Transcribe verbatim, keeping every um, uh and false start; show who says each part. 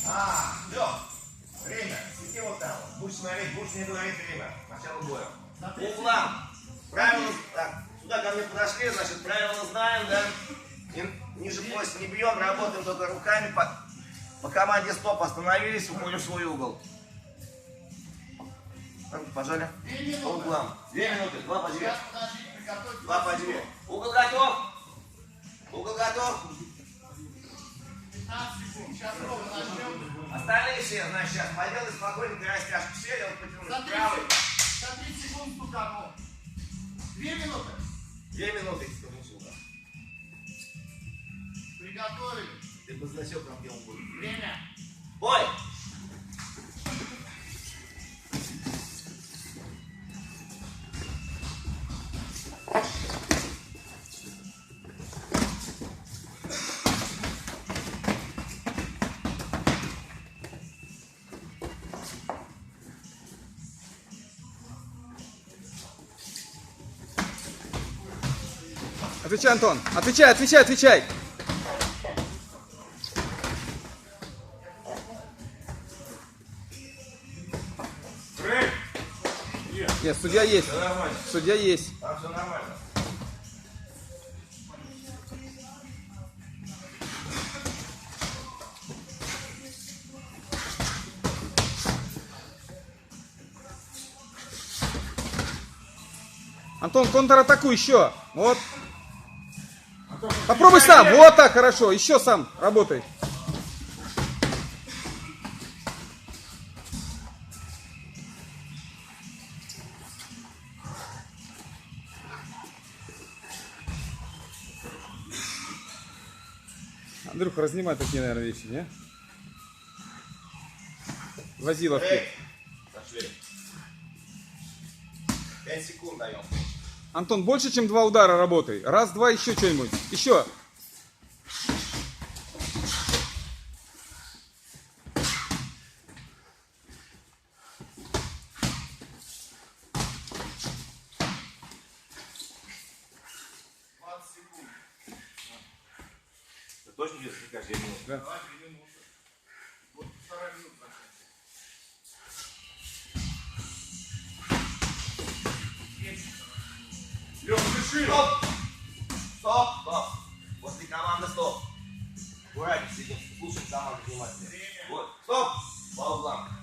Speaker 1: А, все. Время. Сиди вот там. Будешь смотреть, будешь мне говорить время. Начало боя. По углам. Правильно. Так, сюда ко мне подошли, значит, правила знаем, да? И ниже пояса не бьем, работаем только руками. По, по команде стоп остановились, уходим в свой угол. Пожали. По углам. Две минуты. Два по две. Два по две. Угол готов. Угол готов. Остальные все, значит, сейчас поделай спокойненько растяжку. Сели, вот потянули. Правый.
Speaker 2: За тридцать секунд стуканул. Две минуты.
Speaker 1: Две минуты.
Speaker 2: Приготовили.
Speaker 1: Ты бы значок там, где он будет.
Speaker 2: Время.
Speaker 1: Бой!
Speaker 3: Отвечай, Антон. Отвечай, отвечай, отвечай. Нет, судья есть.
Speaker 1: Все нормально.
Speaker 3: Судья есть.
Speaker 1: Там все нормально.
Speaker 3: Антон, контратакуй еще. Вот. Попробуй сам. Вот так, хорошо. Еще сам работай. Андрюха, разнимай такие, наверное, вещи, не? Возиловки.
Speaker 1: Эй, пошли. Пять секунд даем.
Speaker 3: Антон, больше, чем два удара работай. Раз, два, еще что-нибудь. Еще.
Speaker 2: двадцать секунд.
Speaker 1: Ты точно где-то каждый минут?
Speaker 3: Да.
Speaker 2: Давай две минуты. Вот вторая минута.
Speaker 1: Лёха, дыши! Стоп! Стоп! Стоп! После команды стоп. Аккуратнее сидим. Слушай команду внимательно. Вот. Стоп! По углам.